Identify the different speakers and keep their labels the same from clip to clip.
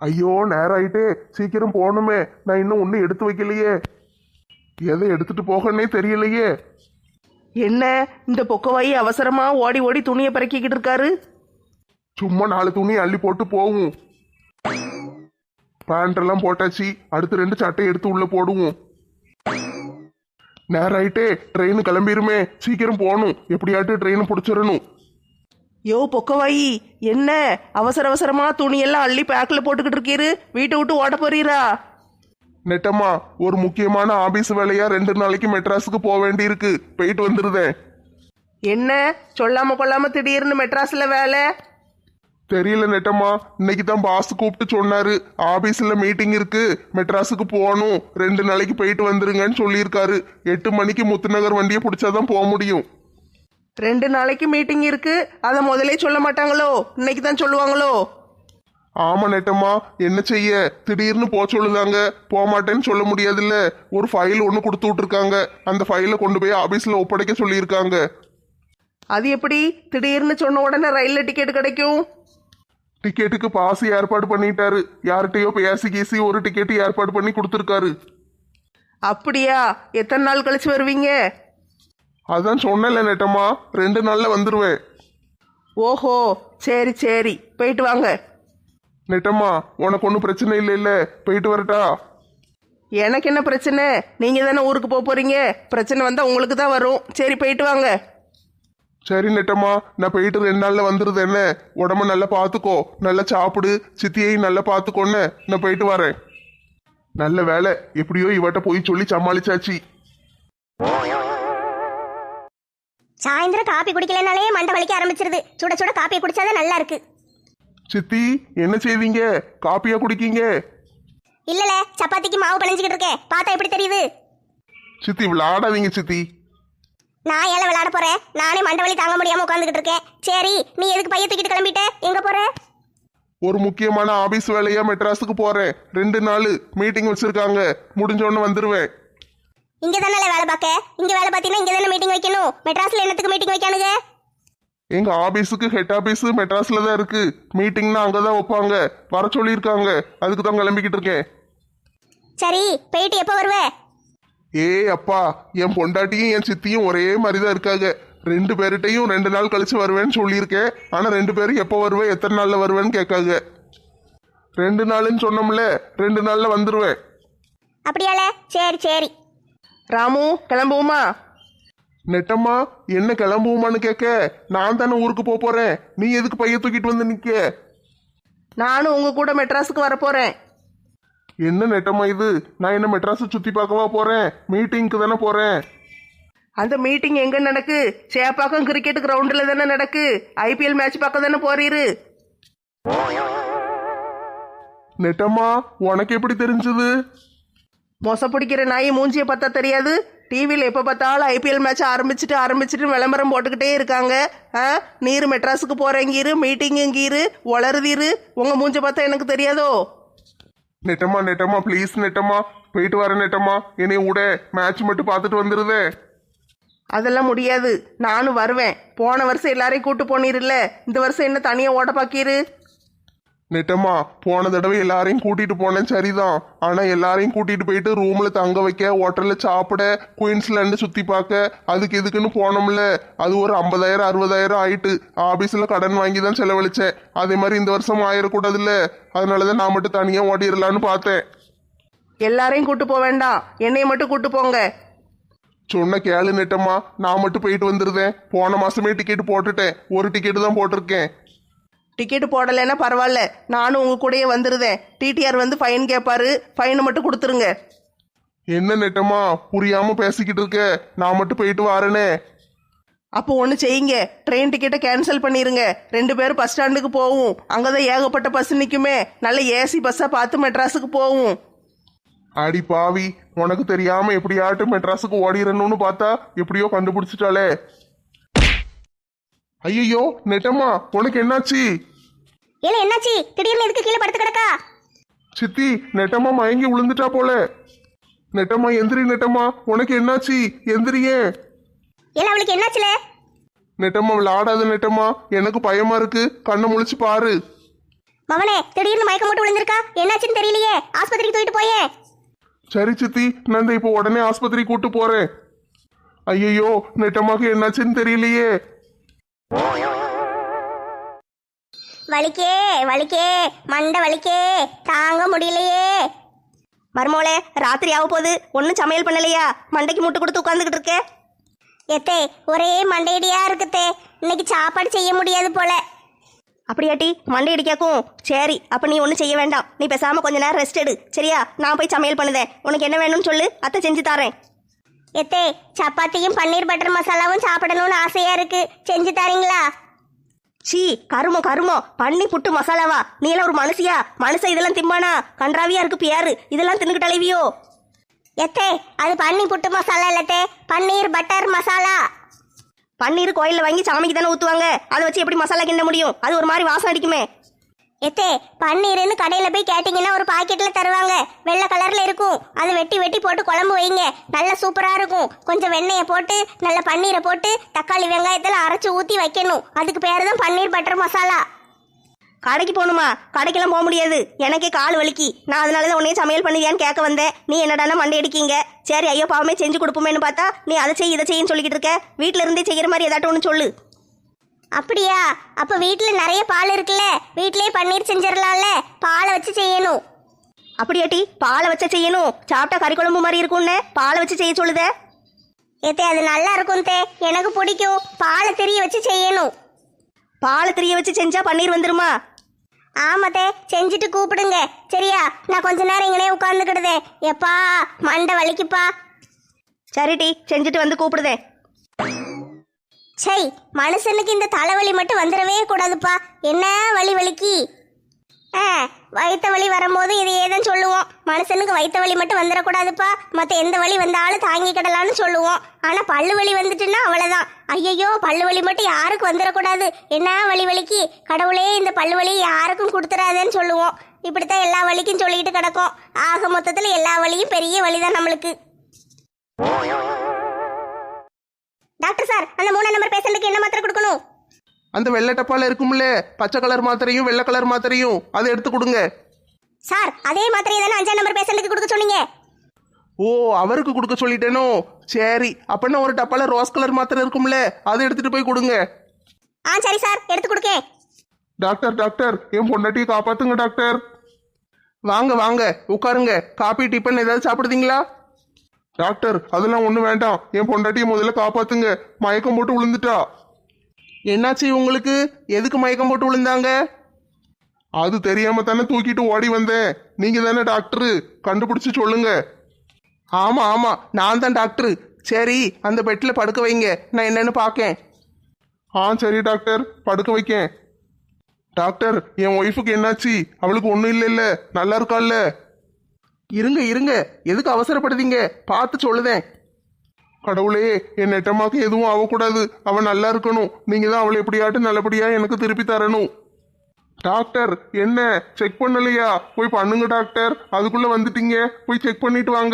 Speaker 1: ஐயோ நேரம் ஆயிட்டே, சீக்கிரம் போகணுமே. நான் இன்னும் ஒன்றும் எடுத்து வைக்கலையே. எதை எடுத்துட்டு போகன்னே தெரியலையே.
Speaker 2: என்ன இந்த பொக்கவாயி அவசரமா ஓடி ஓடி துணியை பறக்கிக்கிட்டு இருக்காரு?
Speaker 1: சும்மா 4 துணி அள்ளி போட்டு போவோம். பேண்ட் எல்லாம் போட்டாச்சு, அடுத்து 2 சட்டை எடுத்து உள்ள போடுவோம். நேரம் ஆயிட்டே, ட்ரெயின் கிளம்பிருமே, சீக்கிரம் போகணும். எப்படியாட்டு ட்ரெயின் பிடிச்சிடணும்.
Speaker 2: யோ பொக்கவாயி, என்ன அவசர அவசரமா துணியெல்லாம் அள்ளி பேக்கில் போட்டுக்கிட்டு இருக்கீரு? வீட்டை விட்டு ஓட போறீரா?
Speaker 1: நெட்டம்மா, ஒரு முக்கியமான ஆபீஸ் வேலையா 2 நாளைக்கு மெட்ராஸுக்கு போக வேண்டி இருக்கு. போயிட்டு வந்துருதேன்.
Speaker 2: என்ன சொல்லாம கொள்ளாம திடீர்னு மெட்ராஸ்ல வேலை?
Speaker 1: தெரியல நெட்டம்மா, இன்னைக்கு தான் பாஸ் கூப்பிட்டு சொன்னாரு. ஆபீஸ்ல மீட்டிங் இருக்கு, மெட்ராஸுக்கு போகணும், 2 நாளைக்கு போயிட்டு வந்துருங்கன்னு சொல்லியிருக்காரு. 8 மணிக்கு முத்துநகர் வண்டியை பிடிச்சாதான் போக முடியும்.
Speaker 2: 2 நாளைக்கு மீட்டிங் இருக்கு, அதை முதலே சொல்ல மாட்டாங்களோ? இன்னைக்கு தான் சொல்லுவாங்களோ?
Speaker 1: ஆமா நெட்டம்மா, என்ன செய்ய, திடீர்னு போக சொல்லுதாங்க. போக மாட்டேன்னு சொல்ல முடியாதுல்ல. ஒரு ஃபைல் ஒன்று கொடுத்து விட்டுருக்காங்க, அந்த ஃபைலை கொண்டு போய் ஆபீஸ்ல ஒப்படைக்க சொல்லியிருக்காங்க.
Speaker 2: அது எப்படி திடீர்னு சொன்ன உடனே ரயில்ல டிக்கெட் கிடைக்கும்?
Speaker 1: டிக்கெட்டுக்கு பாஸ் ஏற்பாடு பண்ணிட்டாரு. யார்கிட்டயோ பேசி கீசி ஒரு டிக்கெட் ஏற்பாடு பண்ணி கொடுத்துருக்காரு.
Speaker 2: அப்படியா? எத்தனை நாள் கழிச்சு வருவீங்க?
Speaker 1: அதான் சொன்னல நெட்டம்மா, 2 நாள்ல வந்துருவேன்.
Speaker 2: ஓஹோ, சரி சரி, போயிட்டு வாங்க.
Speaker 1: நெட்டம்மா, உனக்கு ஒன்றும் பிரச்சனை இல்லை இல்ல? போயிட்டு வரட்டா?
Speaker 2: எனக்கு என்ன பிரச்சனை? நீங்க தானே ஊருக்கு போக போறீங்க. பிரச்சனை வந்தா உங்களுக்கு தான் வரும். சரி போயிட்டு வாங்க.
Speaker 1: சரி நெட்டம்மா, நான் போயிட்டு 2 நாள்ல வந்துருது. என்ன, உடம்ப நல்லா பார்த்துக்கோ, நல்லா சாப்பிடு, சித்தியையும் நல்லா பார்த்துக்கோன்னு. நான் போயிட்டு வரேன். நல்ல வேலை, எப்படியோ இவட்ட போய் சொல்லி சமாளிச்சாச்சு.
Speaker 3: சாயந்தரம் காப்பி குடிக்கலனாலே மண்டை வலிக்க ஆரம்பிச்சிருது. சுட சுட காப்பியை குடிச்சாதான் நல்லா இருக்கு.
Speaker 1: சித்தி, என்ன செய்வீங்க? காப்பியா குடிக்கீங்க?
Speaker 3: இல்லல, சப்பாத்திக்கு மாவு பிணைஞ்சிக்கிட்டு இருக்கேன். பார்த்தா எப்படி தெரியுது?
Speaker 1: சித்தி விளையாடாதீங்க சித்தி.
Speaker 3: நான் ஏல விளையாட போறேன்? நானே மண்டை வலி தாங்க முடியாம உட்காந்துக்கிட்டு இருக்கேன். சரி, நீ எதுக்கு பைய தூக்கிட்டு கிளம்பிட்ட? எங்க போற?
Speaker 1: ஒரு முக்கியமான ஆபீஸ் வேலையா மெட்ராஸுக்கு போறேன். 2 நாள் மீட்டிங் வச்சிருக்காங்க, முடிஞ்ச உடனே வந்துருவேன்.
Speaker 3: இங்க தானே வேலை பார்க்க? இங்க வேலை பார்த்தீங்கன்னா இங்க தானே மீட்டிங் வைக்கணும். மெட்ராஸ்ல என்னத்துக்கு மீட்டிங் வைக்கானுங்க?
Speaker 1: எங்க ஆபீஸுக்கு ஹெட் ஆபீஸ் மெட்ராஸ்ல தான் இருக்கு. மீட்டிங்னா அங்கதான் வைப்பாங்க. வர சொல்லியிருக்காங்க, அதுக்கு தான் கிளம்பிக்கிட்டு இருக்கேன்.
Speaker 3: சரி, போயிட்டு எப்போ வருவ?
Speaker 1: அப்பா, என் பொண்டாட்டியும் என் சித்தியும் ஒரே மாதிரி தான் இருக்காங்க. 2 பேர்கிட்டையும் 2 நாள் கழிச்சு வருவேன்னு சொல்லியிருக்கேன். ஆனா 2 பேரும் எப்போ வருவேன், எத்தனை நாள்ல வருவேன்னு கேட்காங்க. 2 நாள்னு சொன்னோம்ல, 2 நாள்ல வந்துருவேன்.
Speaker 3: அப்படியால? சரி சரி.
Speaker 2: ராமு, கிளம்புவோமா?
Speaker 1: நெட்டம்மா, என்ன கிளம்புவோமான்னு கேட்க, நான் தானே ஊருக்கு போறேன். நீ எதுக்கு பைய தூக்கிட்டு வந்து நிக்க?
Speaker 2: நானும் உங்க கூட மெட்ராஸுக்கு வர போறேன்.
Speaker 1: என்ன நெட்டம்மா இது? நான் என்ன மெட்ராஸை சுத்தி பார்க்கவா போறேன்? மீட்டிங்க்கு தானே போறேன்.
Speaker 2: அந்த மீட்டிங் எங்க நடக்கு? சேப்பாக்கம் கிரிக்கெட் கிரவுண்டில் தானே நடக்கு. ஐபிஎல் மேட்ச் பார்க்க தானே போறீரு.
Speaker 1: நெட்டம்மா, உனக்கு எப்படி தெரிஞ்சது?
Speaker 2: மொச பிடிக்கிற நாய் மூஞ்சியை பார்த்தா தெரியாது? டிவியில் எப்போ பார்த்தாலும் ஐபிஎல் மேட்ச் ஆரம்பிச்சுட்டு விளம்பரம் போட்டுக்கிட்டே இருக்காங்க. நீர் மெட்ராஸுக்கு போகிறேங்கீரு, மீட்டிங்குங்கீரு, வளருதீரு. உங்கள் மூஞ்சை பார்த்தா எனக்கு தெரியாதோ?
Speaker 1: நெட்டம்மா நெட்டம்மா ப்ளீஸ் நெட்டம்மா, போயிட்டு வரேன் நெட்டம்மா. என்னை விட மேட்ச் மட்டும் பார்த்துட்டு வந்துருதே.
Speaker 2: அதெல்லாம் முடியாது, நானும் வருவேன். போன வருஷம் எல்லாரையும் கூட்டு போனீர்ல, இந்த வருஷம் என்ன தனியாக ஓட பாக்கீரு?
Speaker 1: நெட்டம்மா, போன தடவை எல்லாரையும் கூட்டிட்டு போனேன் சரிதான். ஆனா எல்லாரையும் கூட்டிட்டு போயிட்டு ரூம்ல தங்க வைக்க, ஹோட்டல்ல சாப்பிட, குயின்ஸ்லாண்டு சுத்தி பார்க்க, அதுக்கு எதுக்குன்னு போனோம்ல. அது ஒரு 50,000 60,000 ஆயிட்டு. ஆபீஸ்ல கடன் வாங்கி தான் செலவழிச்சேன். அதே மாதிரி இந்த வருஷம் ஆயிடக்கூடாதுல்ல, அதனாலதான் நான் மட்டும் தனியா ஓடிடலான்னு பார்த்தேன்.
Speaker 2: எல்லாரையும் கூட்டு போக வேண்டாம், என்னைய மட்டும் கூட்டு போங்க.
Speaker 1: சொன்ன கேளு நெட்டம்மா, நான் மட்டும் போயிட்டு வந்துருந்தேன். போன மாசமே டிக்கெட் போட்டுட்டேன், ஒரு டிக்கெட்டு தான் போட்டிருக்கேன்.
Speaker 2: டிக்கெட்டு போடலைன்னா பரவாயில்ல, நானும் உங்க கூடயே வந்துருதேன். டிடிஆர் வந்து ஃபைன் கேட்பாரு, ஃபைனை மட்டும் கொடுத்துருங்க.
Speaker 1: என்ன நெட்டம்மா புரியாம பேசிக்கிட்டு இருக்க? நான் மட்டும் போயிட்டு வரேனே.
Speaker 2: அப்போ ஒன்று செய்யுங்க, ட்ரெயின் டிக்கெட்டை கேன்சல் பண்ணிடுங்க. 2 பேரும் பஸ் ஸ்டாண்டுக்கு போவோம். அங்கே தான் ஏகப்பட்ட பஸ் நிற்குமே, நல்ல ஏசி பஸ்ஸாக பார்த்து மெட்ராஸுக்கு போவோம்.
Speaker 1: அடி பாவி, உனக்கு தெரியாம எப்படியாட்டும் மெட்ராஸுக்கு ஓடிடணும்னு பார்த்தா எப்படியோ கண்டுபிடிச்சிட்டாலே. ஐயோ நெட்டம்மா, உனக்கு என்னாச்சு?
Speaker 3: ஏல என்னாச்சு? திடீர்னு எதுக்கு கீழே படுத்து கிடக்கா?
Speaker 1: சித்தி, நெட்டம்மா மயங்கி விழுந்துட்டா போல. நெட்டம்மா எந்திரி. நெட்டம்மா, உனக்கு என்னாச்சு? எந்திரியே.
Speaker 3: ஏல அவளுக்கு என்னாச்சுல?
Speaker 1: நெட்டம்மா விளையாடாத நெட்டம்மா, எனக்கு பயமா இருக்கு. கண்ணை முழிச்சு பாரு.
Speaker 3: மவனே திடீர்னு மயக்கம் போட்டு விழுந்திருக்கா, என்னாச்சுன்னு தெரியலையே, ஆஸ்பத்திரிக்கு தூக்கிட்டு போயே.
Speaker 1: சரி சித்தி, நான் இந்த இப்போ உடனே ஆஸ்பத்திரி கூட்டு போறேன். ஐயோ, நெட்டமாக்கு என்னாச்சுன்னு தெரியலையே.
Speaker 3: வலிக்கே வலிக்கே, மண்டை வலிக்கே, தாங்க முடியலையே.
Speaker 2: மருமோளே, ராத்திரி ஆக போகுது, ஒன்றும் சமையல் பண்ணலையா? மண்டைக்கு முட்டு கொடுத்து உட்காந்துக்கிட்டு இருக்கே.
Speaker 3: எத்தே ஒரே மண்டையடியா இருக்குத்தே, இன்னைக்கு சாப்பாடு செய்ய முடியாது போல.
Speaker 2: அப்படியாட்டி மண்டை அடிக்காக்கும். சரி, அப்போ நீ ஒன்றும் செய்ய வேண்டாம். நீ பேசாமல் கொஞ்ச நேரம் ரெஸ்ட் எடு, சரியா? நான் போய் சமையல் பண்ணுதேன். உனக்கு என்ன வேணும்னு சொல்லு, அத்தை செஞ்சு தரேன்.
Speaker 3: எத்தே சப்பாத்தியும் பன்னீர் பட்டர் மசாலாவும் சாப்பிடணும்னு ஆசையா இருக்கு, செஞ்சு தரீங்களா?
Speaker 2: சீ, கருமம் பண்ணி புட்டு மசாலாவா? நீ எல்லாம் ஒரு மனுஷியா? மனுஷன் இதெல்லாம் திம்பானா? கன்றாவியா இருக்கு பியாரு, இதெல்லாம் தின்னுக்கிட்டு அலைவியோ?
Speaker 3: எத்தே அது பன்னி புட்டு மசாலா இல்லத்தே, பன்னீர் பட்டர் மசாலா.
Speaker 2: பன்னீர் கோயிலில் வாங்கி சாமிக்கு தானே ஊற்றுவாங்க, அதை வச்சு எப்படி மசாலா கிண்ட முடியும்? அது ஒரு மாதிரி வாசம் அடிக்குமே.
Speaker 3: எத்தே பன்னீர்னு கடையில போய் கேட்டீங்கன்னா ஒரு பாக்கெட்ல தருவாங்க, வெள்ளை கலர்ல இருக்கும். அதை வெட்டி வெட்டி போட்டு குழம்பு வைங்க, நல்ல சூப்பரா இருக்கும். கொஞ்சம் வெண்ணெயை போட்டு நல்ல பன்னீரை போட்டு தக்காளி வெங்காயத்தில் அரைச்சு ஊற்றி வைக்கணும். அதுக்கு பேர் தான் பன்னீர் பட்டர் மசாலா.
Speaker 2: கடைக்கு போகணுமா? கடைக்கெல்லாம் போக முடியாது, எனக்கே கால் வலிக்கு. நான் அதனால தான் உன்னையே சமையல் பண்ணியான்னு கேட்க வந்தேன். நீ என்னடானா மண்டை அடிக்கீங்க. சரி, ஐயோ பாவமே செஞ்சு கொடுப்போமேன்னு பார்த்தா நீ அதை செய் இதை செய்யின்னு சொல்லிக்கிட்டு இருக்க. வீட்டில் இருந்தே செய்கிற மாதிரி ஏதாட்டும் ஒன்று சொல்லு.
Speaker 3: அப்படியா? அப்ப வீட்டுல நிறைய பால் இருக்குல்ல, வீட்லயே பன்னீர் செஞ்சிடலாம்ல, பாலை வச்சு செய்யணும்.
Speaker 2: அப்படியாட்டி பாலை வச்ச செய்யணும்? சாப்பிட்டா கறி குழம்பு மாதிரி இருக்கும்னு பாலை வச்சு செய்ய சொல்லுதே.
Speaker 3: ஏத்தே அது நல்லா இருக்கும் தே, எனக்கு பிடிக்கும். பாலை திரிய வச்சு செய்யணும்.
Speaker 2: பாலை திரிய வச்சு செஞ்சா பன்னீர் வந்துருமா?
Speaker 3: ஆமாத்தே, செஞ்சுட்டு கூப்பிடுங்க, சரியா? நான் கொஞ்ச நேரம் இங்கனே உட்காந்துக்கிடுதே, எப்பா மண்டை வலிக்குப்பா.
Speaker 2: சரிட்டி, செஞ்சுட்டு வந்து கூப்பிடுதேன்.
Speaker 3: சை, மனுஷனுக்கு இந்த தலைவலி மட்டும் வந்துடவே கூடாதுப்பா. என்ன வலி வலிக்கு? வயிற்று வலி வரும்போது இதையே தான் சொல்லுவோம். மனுஷனுக்கு வயிற்று வலி மட்டும் வந்துடக்கூடாதுப்பா, மற்ற எந்த வலி வந்தாலும் தாங்கிக்கிடலான்னு சொல்லுவோம். ஆனால் பல்லு வலி வந்துட்டுன்னா அவ்வளோதான். ஐயையோ, பல்லு வலி மட்டும் யாருக்கும் வந்துடக்கூடாது. என்ன வலி வலிக்கு? கடவுளே இந்த பல்லு வலி யாருக்கும் கொடுத்துடாதேன்னு சொல்லுவோம். இப்படித்தான் எல்லா வலிக்கும் சொல்லிக்கிட்டு கிடக்கும். ஆக மொத்தத்தில் எல்லா வலியும் பெரிய வலிதான் நம்மளுக்கு. டாக்டர் சார், அந்த 3 நம்பர் பேஷண்ட்டுக்கு என்ன மாத்திரை கொடுக்கணும்?
Speaker 1: அந்த வெள்ளை டப்பால இருக்கும்ல, பச்சை கலர் மாத்திரையும் வெள்ளை கலர் மாத்திரையும், அதை எடுத்து கொடுங்க.
Speaker 3: சார், அதே மாத்திரையை தானே 5ஆம் நம்பர் பேஷண்ட்டுக்கு கொடுக்க சொன்னீங்க.
Speaker 1: ஓ, அவருக்கு கொடுக்க சொல்லிட்டேனோ? சரி, அப்படின்னா ஒரு டப்பால ரோஸ் கலர் மாத்திரை இருக்கும்ல, அதை எடுத்துட்டு போய் கொடுங்க.
Speaker 3: சரி சார், எடுத்து கொடுக்கேன்.
Speaker 1: டாக்டர் டாக்டர், என் பொண்டாட்டியை காப்பாத்துங்க டாக்டர். வாங்க வாங்க உட்காருங்க. காபி டிஃபன் ஏதாவது சாப்பிடுதீங்களா? டாக்டர், அதெல்லாம் ஒன்றும் வேண்டாம். என் பொண்டாட்டியை முதல்ல காப்பாத்துங்க, மயக்கம் போட்டு விழுந்துட்டா. என்னாச்சு உங்களுக்கு? எதுக்கு மயக்கம் போட்டு விழுந்தாங்க? அது தெரியாம தானே தூக்கிட்டு ஓடி வந்தேன். நீங்க தானே டாக்டரு, கண்டுபிடிச்சு சொல்லுங்க. ஆமா ஆமா, நான் தான் டாக்டரு. சரி, அந்த பெட்டில் படுக்க வைங்க, நான் என்னன்னு பார்க்கேன். சரி டாக்டர், படுக்க வைக்கேன். டாக்டர், என் ஒய்ஃபுக்கு என்னாச்சு? அவளுக்கு ஒன்றும் இல்லைல்ல, நல்லா இருக்கால்ல? இருங்க இருங்க, எதுக்கு அவசரப்படுதீங்க? பார்த்து சொல்லுதேன். கடவுளே, என் நெட்டமாக்கு எதுவும் ஆகக்கூடாது, அவன் நல்லா இருக்கணும். நீங்க தான் அவளை எப்படியாட்டும் நல்லபடியா எனக்கு திருப்பி தரணும். டாக்டர், என்ன செக் பண்ணலையா? போய் பண்ணுங்க டாக்டர். அதுக்குள்ள வந்துட்டீங்க, போய் செக் பண்ணிட்டு வாங்க.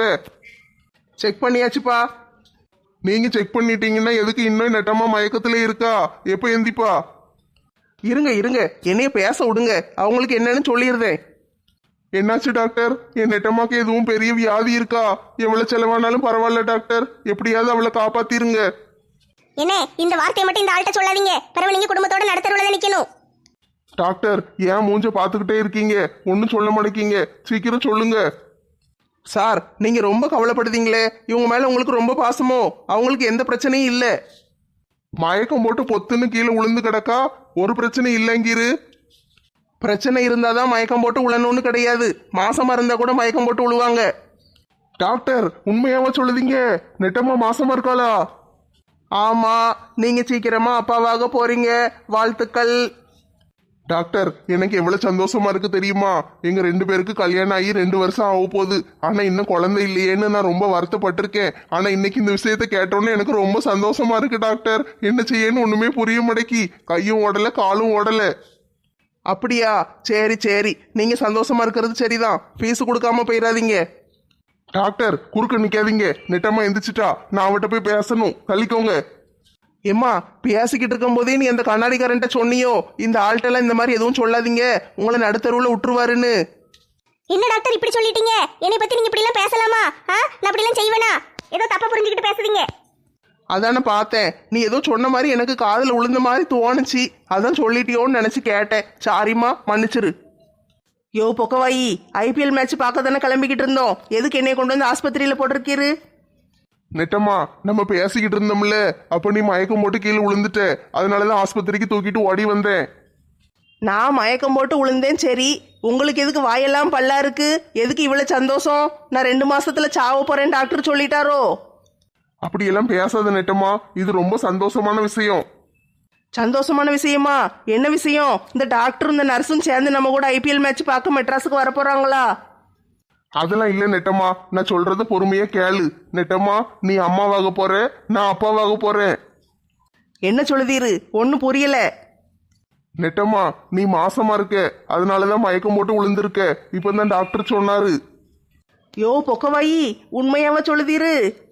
Speaker 1: செக் பண்ணியாச்சுப்பா. நீங்க செக் பண்ணிட்டீங்கன்னா எதுக்கு இன்னும் நெட்டமா மயக்கத்திலே இருக்கா? எப்ப எந்திப்பா? இருங்க இருங்க, என்னைய பேச விடுங்க, அவங்களுக்கு என்னன்னு சொல்லிடுறேன். என்னாச்சு டாக்டர்? என் நெட்டமாக்கு எதுவும் பெரிய வியாதி இருக்கா? எவ்வளவு செலவானாலும் பரவாயில்ல டாக்டர், எப்படியாவது அவளை காப்பாத்திருங்க.
Speaker 3: என்ன, இந்த வார்த்தையை மட்டும் இந்த ஆள்கிட்ட சொல்லாதீங்க, பிறகு நீங்க குடும்பத்தோட நடத்துறதுல நிக்கணும்.
Speaker 1: டாக்டர், ஏன் மூஞ்ச பார்த்துக்கிட்டே இருக்கீங்க? ஒன்றும் சொல்ல மாட்டேங்க, சீக்கிரம் சொல்லுங்க. சார், நீங்க ரொம்ப கவலைப்படுதீங்களே, இவங்க மேல உங்களுக்கு ரொம்ப பாசமோ? அவங்களுக்கு எந்த பிரச்சனையும் இல்லை. மயக்கம் போட்டு பொத்துன்னு கீழே விழுந்து கிடக்கா, ஒரு பிரச்சனை இல்லைங்கிரு. பிரச்சனை இருந்தாதான் மயக்கம் போட்டு விழணும்னு கிடையாது, மாசமா இருந்தா கூட மயக்கம் போட்டு விழுவாங்க. டாக்டர், உண்மையாவா சொல்லுதீங்க? நெட்டமா மாசமா இருக்காளா? ஆமா, நீங்க சீக்கிரமா அப்பாவாக போறீங்க, வாழ்த்துக்கள். டாக்டர், எனக்கு எவ்வளவு சந்தோஷமா இருக்கு தெரியுமா? எங்க 2 பேருக்கு கல்யாணம் ஆகி 2 வருஷம் ஆக போகுது. ஆனா இன்னும் குழந்தை இல்லையேன்னு நான் ரொம்ப வருத்தப்பட்டிருக்கேன். ஆனா இன்னைக்கு இந்த விஷயத்த கேட்டோன்னே எனக்கு ரொம்ப சந்தோஷமா இருக்கு டாக்டர். என்ன செய்யன்னு ஒண்ணுமே புரிய மாட்டேக்கி, கையும் ஓடல காலும் ஓடல. அப்படியா? சரி சரி, நீங்க சந்தோஷமா இருக்கிறது சரிதான். ஃபீஸ் கொடுக்காம போயிடாதீங்க. டாக்டர், குறுக்க நிக்காதீங்க, நெட்டமா எந்திரிச்சிட்டா, நான் அவட்ட போய் பேசணும், தள்ளிக்கோங்க.
Speaker 2: ஏம்மா பேசிக்கிட்டு இருக்கும் போதே நீ அந்த கண்ணாடிக்காரன்ட்ட சொன்னியோ இந்த ஆள்கிட்டலாம் இந்த மாதிரி எதுவும் சொல்லாதீங்க உங்களை நடுத்தருவில் விட்டுருவாருன்னு.
Speaker 3: என்ன டாக்டர் இப்படி சொல்லிட்டீங்க? என்னை பத்தி நீங்க இப்படி எல்லாம் பேசலாமா? நான் அப்படி எல்லாம் செய்வேனா? ஏதோ தப்பா புரிஞ்சுக்கிட்டு பேசுறீங்க.
Speaker 2: அதானே பார்த்தேன், நீ ஏதோ சொன்ன மாதிரி எனக்கு காதில் விழுந்த மாதிரி தோணுச்சு, அதான் சொல்லிட்டியோன்னு நினச்சி கேட்டேன். சாரிம்மா, மன்னிச்சிரு. யோ பொக்கவாயி, ஐபிஎல் மேட்ச் பார்க்க தானே கிளம்பிக்கிட்டு இருந்தோம், எதுக்கு என்னை கொண்டு வந்து ஆஸ்பத்திரியில் போட்டிருக்கீரு?
Speaker 1: நெட்டம்மா நம்ம பேசிக்கிட்டு இருந்தோம்ல, அப்ப நீ மயக்கம் போட்டு கீழே விழுந்துட்ட, அதனாலதான் ஆஸ்பத்திரிக்கு தூக்கிட்டு ஓடி வந்தேன்.
Speaker 2: நான் மயக்கம் போட்டு விழுந்தேன் சரி, உங்களுக்கு எதுக்கு வாயெல்லாம் பல்லா இருக்கு? எதுக்கு இவ்வளவு சந்தோஷம்? நான் 2 மாசத்துல சாவ போறேன் டாக்டர் சொல்லிட்டாரோ?
Speaker 1: அப்படியெல்லாம் பேசாத நெட்டம்மா, இது ரொம்ப சந்தோஷமான விஷயம்.
Speaker 2: சந்தோஷமான விஷயமா? என்ன விஷயம்? இந்த டாக்டரும் இந்த நர்ஸும் சேர்ந்து நம்ம கூட ஐபிஎல் மேட்ச் பார்க்க மெட்ராஸுக்கு வர போறாங்களா?
Speaker 1: அதெல்லாம் இல்ல நெட்டம்மா, நான் சொல்றத பொறுமையா கேளு. நெட்டம்மா, நீ அம்மாவாக போற, நான் அப்பாவாக போறேன்.
Speaker 2: என்ன சொல்லுதீரு? ஒன்னும் புரியல.
Speaker 1: நெட்டம்மா, நீ மாசமா இருக்க, அதனாலதான் மயக்கம் போட்டு விழுந்திருக்க, இப்பதான் டாக்டர் சொன்னாரு.
Speaker 2: யோ பொக்கவாயி, உண்மையாவ சொல்லுதீரு?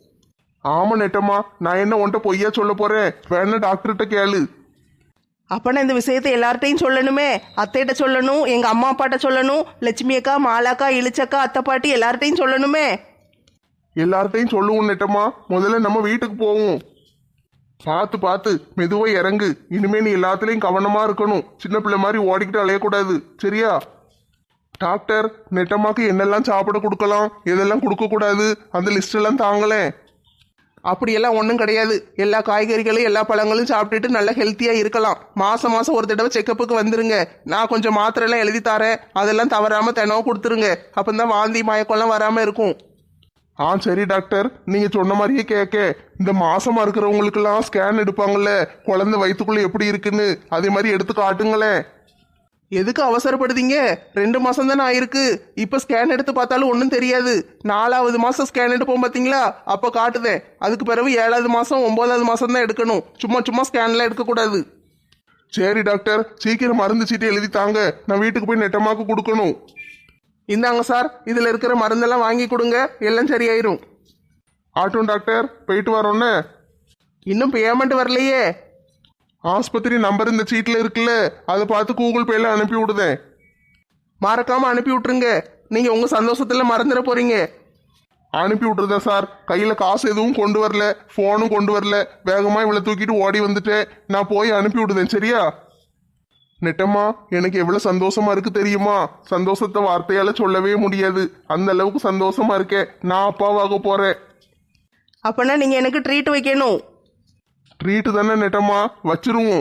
Speaker 1: ஆமா நெட்டம்மா, நான் என்ன உன்கிட்ட பொய்யா சொல்ல போறேன்? வேணா டாக்டர்கிட்ட கேளு.
Speaker 2: அப்பனா இந்த விஷயத்தை எல்லார்ட்டையும் சொல்லணுமே. அத்தைகிட்ட சொல்லணும், எங்க அம்மா அப்பாட்ட சொல்லணும், லட்சுமி அக்கா, மாலாக்கா, இளிச்சக்கா, அத்தை பாட்டி எல்லார்ட்டையும் சொல்லணுமே.
Speaker 1: எல்லார்ட்டையும் சொல்லுவோம் நெட்டம்மா, முதல்ல நம்ம வீட்டுக்கு போவோம். பார்த்து பார்த்து மெதுவா இறங்கு. இனிமே நீ எல்லாத்துலயும் கவனமா இருக்கணும், சின்ன பிள்ளை மாதிரி ஓடிக்கிட்டு அலையக்கூடாது, சரியா? டாக்டர், நெட்டம்மாக்கு என்னெல்லாம் சாப்பிட கொடுக்கலாம், எதெல்லாம் கொடுக்க கூடாது, அந்த லிஸ்ட் எல்லாம் தாங்களேன்.
Speaker 2: அப்படியெல்லாம் ஒன்றும் கிடையாது. எல்லா காய்கறிகளும் எல்லா பழங்களும் சாப்பிட்டுட்டு நல்லா ஹெல்த்தியாக இருக்கலாம். மாதம் மாதம் ஒரு தடவை செக்கப்புக்கு வந்துருங்க. நான் கொஞ்சம் மாத்திரைலாம் எழுதி தரேன், அதெல்லாம் தவறாமல் தினமும் கொடுத்துருங்க. அப்போ தான் வாந்தி மயக்கம்லாம் வராமல் இருக்கும்.
Speaker 1: சரி டாக்டர், நீங்க சொன்ன மாதிரியே கேட்க. இந்த மாசமா இருக்கிறவங்களுக்கெல்லாம் ஸ்கேன் எடுப்பாங்கல்ல, குழந்தை வயிற்றுக்குள்ள எப்படி இருக்குன்னு, அதே மாதிரி எடுத்து காட்டுங்களேன்.
Speaker 2: எதுக்கு அவசரப்படுதீங்க? 2 மாதம் தானே ஆயிருக்கு. இப்போ ஸ்கேன் எடுத்து பார்த்தாலும் ஒன்றும் தெரியாது. 4வது மாதம் ஸ்கேன் எடுப்போம் பார்த்தீங்களா, அப்போ காட்டுதேன். அதுக்கு பிறகு 7வது மாதம் 9வது மாதம் தான் எடுக்கணும். சும்மா சும்மா ஸ்கேன்லாம் எடுக்கக்கூடாது.
Speaker 1: சரி டாக்டர், சீக்கிரம் மருந்து சீட்டு எழுதி தாங்க, நான் வீட்டுக்கு போய் நெட்டம்மாக்கு கொடுக்கணும்.
Speaker 2: இந்தாங்க சார், இதில் இருக்கிற மருந்தெல்லாம் வாங்கி கொடுங்க, எல்லாம் சரியாயிரும்.
Speaker 1: ஆட்டும் டாக்டர், போயிட்டு வரோன்னே.
Speaker 2: இன்னும் பேமெண்ட் வரலையே.
Speaker 1: ஆஸ்பத்திரி நம்பர் இந்த சீட்டில் இருக்குல்ல, அதை பார்த்து கூகுள் பேல அனுப்பி விடுதேன்.
Speaker 2: மறக்காம அனுப்பி விட்டுருங்க. நீங்க உங்க சந்தோஷத்துல மறந்துட போறீங்க.
Speaker 1: அனுப்பி விட்டுருதேன் சார். கையில காசு எதுவும் கொண்டு வரல, போனும் கொண்டு வரல, வேகமா இவளை தூக்கிட்டு ஓடி வந்துட்டேன். நான் போய் அனுப்பி விடுதேன், சரியா? நெட்டம்மா, எனக்கு எவ்வளவு சந்தோஷமா இருக்கு தெரியுமா? சந்தோஷத்தை வார்த்தையால சொல்லவே முடியாது, அந்த அளவுக்கு சந்தோஷமா இருக்கேன். நான் அப்பாவாக போறேன்.
Speaker 2: அப்பனா நீங்க எனக்கு ட்ரீட் வைக்கணும்.
Speaker 1: ட்ரீட்டு தானே நெட்டம்மா, வச்சிருவோம்.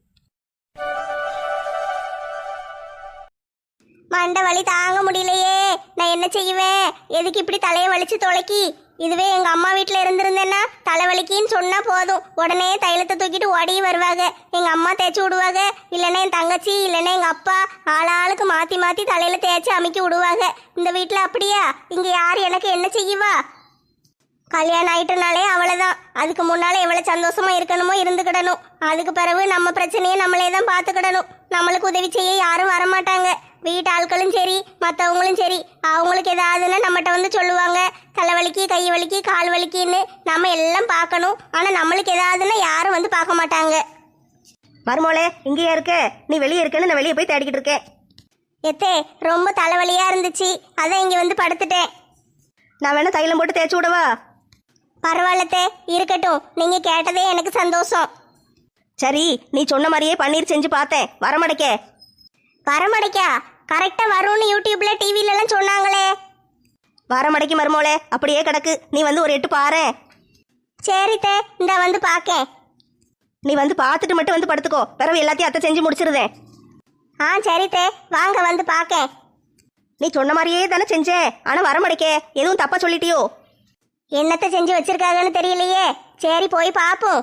Speaker 3: மண்டை வலி தாங்க முடியலையே, நான் என்ன செய்வேன்? எதுக்கு இப்படி தலையை வலிச்சு தொலைக்கி? இதுவே எங்க அம்மா வீட்டில் இருந்திருந்தேன்னா தலைவலிக்கின்னு சொன்னா போதும், உடனே தைலத்தை தூக்கிட்டு ஓடி வருவாங்க. எங்க அம்மா தேய்ச்சி விடுவாங்க, இல்லைன்னா என் தங்கச்சி, இல்லைன்னா எங்க அப்பா, ஆளாளுக்கு மாத்தி மாத்தி தலையில தேய்ச்சி அமுக்கி விடுவாங்க. இந்த வீட்டில் அப்படியா? இங்க யார் எனக்கு என்ன செய்வா? கல்யாணம் ஆயிட்டனாலே அவ்வளோதான். அதுக்கு முன்னால எவ்வளவு சந்தோஷமா இருக்கணுமோ இருந்துக்கிடணும். அதுக்கு பிறகு நம்ம பிரச்சனையை நம்மளே தான் பார்த்துக்கிடணும். நம்மளுக்கு உதவி செய்ய யாரும் வரமாட்டாங்க. வீட்டு ஆட்களும் சரி, மற்றவங்களும் சரி, அவங்களுக்கு ஏதாவதுன்னா நம்மகிட்ட வந்து சொல்லுவாங்க, தலைவலிக்கு, கை வலிக்கு, கால் வலிக்குன்னு. நம்ம எல்லாம் பார்க்கணும், ஆனால் நம்மளுக்கு ஏதாவதுன்னா யாரும் வந்து பார்க்க மாட்டாங்க.
Speaker 4: மருமோளே, இங்கேயா இருக்க? நீ வெளியே இருக்கேன்னு நான் வெளியே போய் தேடிக்கிட்டு இருக்கேன்.
Speaker 3: எத்தே, ரொம்ப தலைவலியா இருந்துச்சு, அதான் இங்கே வந்து படுத்துட்டேன்.
Speaker 4: நான் வேணா தைலம் போட்டு தேய்ச்சி விடவா?
Speaker 3: பரவாயில்லத்தே, இருக்கட்டும். நீங்க கேட்டதே எனக்கு சந்தோஷம்.
Speaker 4: சரி, நீ சொன்ன மாதிரியே பன்னீர் செஞ்சு பார்த்தேன், வரமடைக்க.
Speaker 3: வரமடைக்கா? கரெக்டா வரும்னு யூடியூப்ல டிவில எல்லாம் சொன்னாங்களே.
Speaker 4: வரமடைக்கு மருமோளே, அப்படியே கிடக்கு. நீ வந்து ஒரு எட்டு பாரு.
Speaker 3: சரித்தே, இந்த வந்து பாக்கேன்.
Speaker 4: நீ வந்து பார்த்துட்டு மட்டும் வந்து படுத்துக்கோ, பிறகு எல்லாத்தையும் அத்தை செஞ்சு முடிச்சிருதேன்.
Speaker 3: சரித்தே, வாங்க வந்து பாக்கேன்.
Speaker 4: நீ சொன்ன மாதிரியே தானே செஞ்சேன், ஆனா வரமடைக்க எதுவும் தப்பா சொல்லிட்டியோ?
Speaker 3: என்னத்தை செஞ்சு வச்சிருக்காங்கன்னு தெரியலையே. சரி, போய் பாப்போம்.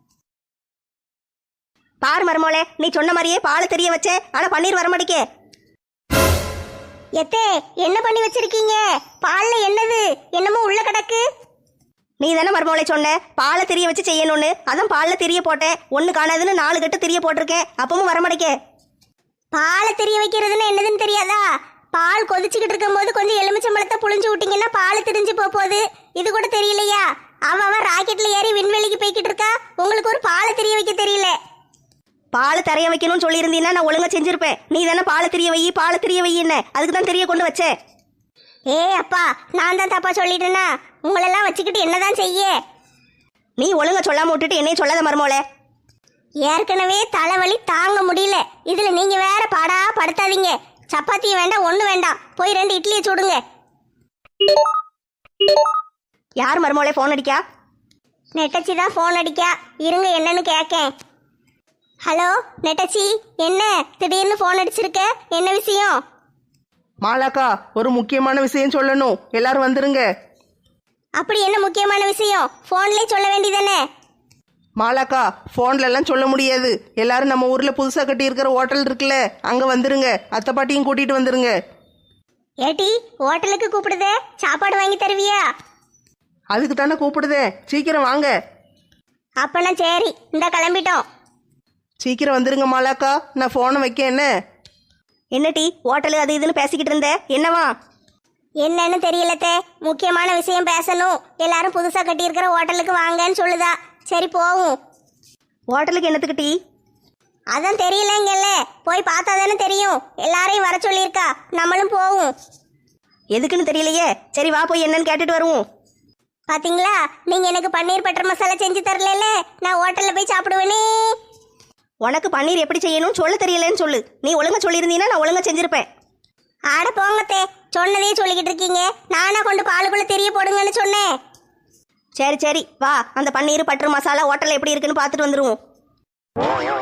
Speaker 4: பாரு மருமோளே, நீ சொன்ன மாதிரியே பால் தெரிய வச்சேன், ஆனா பன்னீர் வரமடைக்க.
Speaker 3: எத்தே, என்ன பண்ணி வச்சிருக்கீங்க? பால்ல என்னது? என்னமோ உள்ள கிடக்கு.
Speaker 4: நீ தானே மருமோளை சொன்ன பாலை தெரிய வச்சு செய்யணும்னு, அதான் பால்ல தெரிய போட்டேன். ஒண்ணு காணாதுன்னு 4 கட்டு தெரிய போட்டிருக்கேன், அப்பவும் வரமடைக்க.
Speaker 3: பாலை தெரிய வைக்கிறதுன்னு என்னதுன்னு தெரியாதா? பால் கொதிச்சுக்கிட்டு இருக்கும் போது கொஞ்சம் எலுமிச்சம்பழத்தை புளிஞ்சு விட்டீங்கன்னா பால் திரிஞ்சு போகுது. இது கூட தெரியலையா? அவ ராக்கெட்ல ஏறி விண்வெளிக்கு போய்கிட்டு இருக்கா. உங்களுக்கு ஒரு பாலை தெரிய வைக்க தெரியல.
Speaker 4: பால் தெரிய வைக்கணும்னு சொல்லியிருந்தீங்கன்னா நான் ஒழுங்கா செஞ்சிருப்பேன். நீ தானே பாலை தெரிய வை என்ன, அதுக்கு தான் தெரிய கொண்டு வச்சேன்.
Speaker 3: அப்பா, நான் தான் தப்பா சொல்லிட்டேனா? உங்களெல்லாம் வச்சுக்கிட்டு என்னதான் செய்ய?
Speaker 4: நீ ஒழுங்கா சொல்லாம விட்டுட்டு என்னையும் சொல்லாத மருமோளே.
Speaker 3: ஏற்கனவே தலைவலி தாங்க முடியல, இதுல நீங்க வேற பாடா படுத்தாதீங்க. சப்பாத்தியும் வேண்டாம், ஒண்ணு வேண்டாம், போய் 2 இட்லியை சுடுங்க.
Speaker 4: யார் மருமோளே ஃபோன் அடிக்கா?
Speaker 3: நெட்டச்சி தான் ஃபோன் அடிக்கா, இருங்க என்னன்னு கேட்கேன். ஹலோ நெட்டச்சி, என்ன திடீர்னு ஃபோன் அடிச்சிருக்க? என்ன விஷயம்?
Speaker 2: மாலாக்கா, ஒரு முக்கியமான விஷயம் சொல்லணும், எல்லாரும் வந்துருங்க.
Speaker 3: அப்படி என்ன முக்கியமான விஷயம்? ஃபோன்லயே சொல்ல வேண்டியதானே?
Speaker 2: மாலாக்கா, ஃபோன்ல எல்லாம் சொல்ல முடியாது. எல்லாரும் நம்ம ஊர்ல புதுசா கட்டி இருக்கிற ஹோட்டல் இருக்குல்ல, அங்க வந்துருங்க. அத்தை பாட்டியும் கூட்டிட்டு வந்துருங்க.
Speaker 3: ஏட்டி, ஹோட்டலுக்கு கூப்பிடுதே, சாப்பாடு வாங்கி தருவியா?
Speaker 2: அதுக்கு தானே கூப்பிடுதேன், சீக்கிரம் வாங்க.
Speaker 3: அப்பனா சரி, இந்த கிளம்பிட்டோம்.
Speaker 2: சீக்கிரம் வந்துருங்க மாலாக்கா, நான் ஃபோனை வைக்க. என்ன
Speaker 4: என்ன டீ ஹோட்டலு அது இதுன்னு பேசிக்கிட்டு இருந்த, என்னவா?
Speaker 3: என்னன்னு தெரியலத்தே, முக்கியமான விஷயம் பேசணும். எல்லாரும் புதுசா கட்டி இருக்கிற ஹோட்டலுக்கு வாங்கன்னு சொல்லுதா. சரி போவும்.
Speaker 4: ஹோட்டலுக்கு என்னத்துக்கு டீ?
Speaker 3: அதான் தெரியலங்கல்ல, போய் பார்த்தா தானே தெரியும். எல்லாரையும் வர சொல்லியிருக்கா, நம்மளும் போவோம்.
Speaker 4: எதுக்குன்னு தெரியலையே. சரி வா, போய் என்னன்னு கேட்டுட்டு வருவோம்.
Speaker 3: பாத்தீங்களா, நீங்க எனக்கு பன்னீர் பட்டர் மசாலா செஞ்சு தரல, நான் ஹோட்டல்ல போய் சாப்பிடுவேனே.
Speaker 4: உனக்கு பன்னீர் எப்படி செய்யணும்னு சொல்ல தெரியலன்னு சொல்லு. நீ ஒழுங்கா சொல்லியிருந்தீங்கன்னா நான் ஒழுங்கா செஞ்சிருப்பேன்.
Speaker 3: ஆட போங்கத்தே, சொன்னதே சொல்லிக்கிட்டு இருக்கீங்க. நானா கொண்டு பாலுக்குள்ள தெரிய போடுங்கன்னு சொன்னேன்.
Speaker 4: சரி சரி வா, அந்த பன்னீர் பட்டர் மசாலா ஹோட்டலில் எப்படி இருக்குன்னு பார்த்துட்டு வந்துருவோம்.